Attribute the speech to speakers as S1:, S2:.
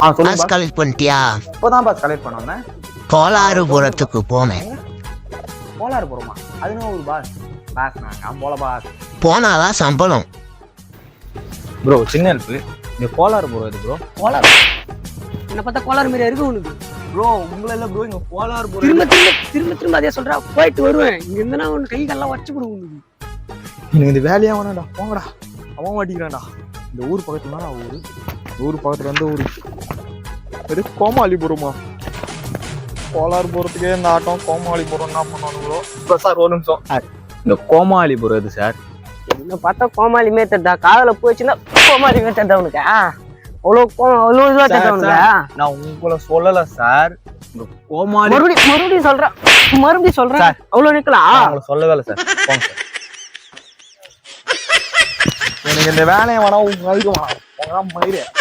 S1: Pass collect பண்ணிட்டியா?
S2: இப்போதான் pass collect பண்ணோன்னே.
S1: கோலாறுபுரத்துக்கு போனேன்.
S2: கோலாறுபுரமா? அது என்ன ஊர் பாஸ்? பாஸ் நான் போல பாஸ்.
S1: போனாதான் சம்பளம்.
S2: ப்ரோ சின்ன ஹெல்ப், இந்த கோலாறுபுரம் இது ப்ரோ.
S3: கோலாறு என்ன பார்த்தா கோலாறு மாரியா இருக்கு உனக்கு?
S2: ப்ரோ உங்களை இல்ல ப்ரோ, இங்க கோலாறுபுரம்.
S3: திரும்ப அதே சொல்றா. போயிட்டு வருவேன். இங்க இருந்தா உனக்கு கை கால்லாம் வச்சு கொடுக்கும் உனக்கு.
S2: எனக்கு இந்த வேலையா வேணாடா, போங்கடா. அவன் மாட்டிக்கிறான்டா. இந்த ஊர் பக்கத்துல தான் ஊரு. ஊர் பக்கத்துல இருந்து ஊரு இது கோமாளிபுரமா? கோலாறுபுரத்துக்கே இந்த ஆட்டம். கோமாளிபுரம் என்ன பண்ணுவானுங்களோ. இப்போ சார் ஒரு நிமிஷம், இந்த கோமாளிபுரம் இது சார்.
S3: என்ன பார்த்தா கோமாளி மேத்தா? காதல போச்சுன்னா கோமாளி மேத்தா உனக்கு? அவ்வளோ இதுவா தட்டா உனக்கு?
S2: நான் உங்களை சொல்லல சார். இந்த கோமாளி
S3: மறுபடியும் சொல்றேன். அவ்வளவு நிக்கலாம்.
S2: உங்களை சொல்லவே இல்லை சார். போங்க சார். எனக்கு இந்த வேலையை வேணா உங்களுக்கு வேணாம். மயிறு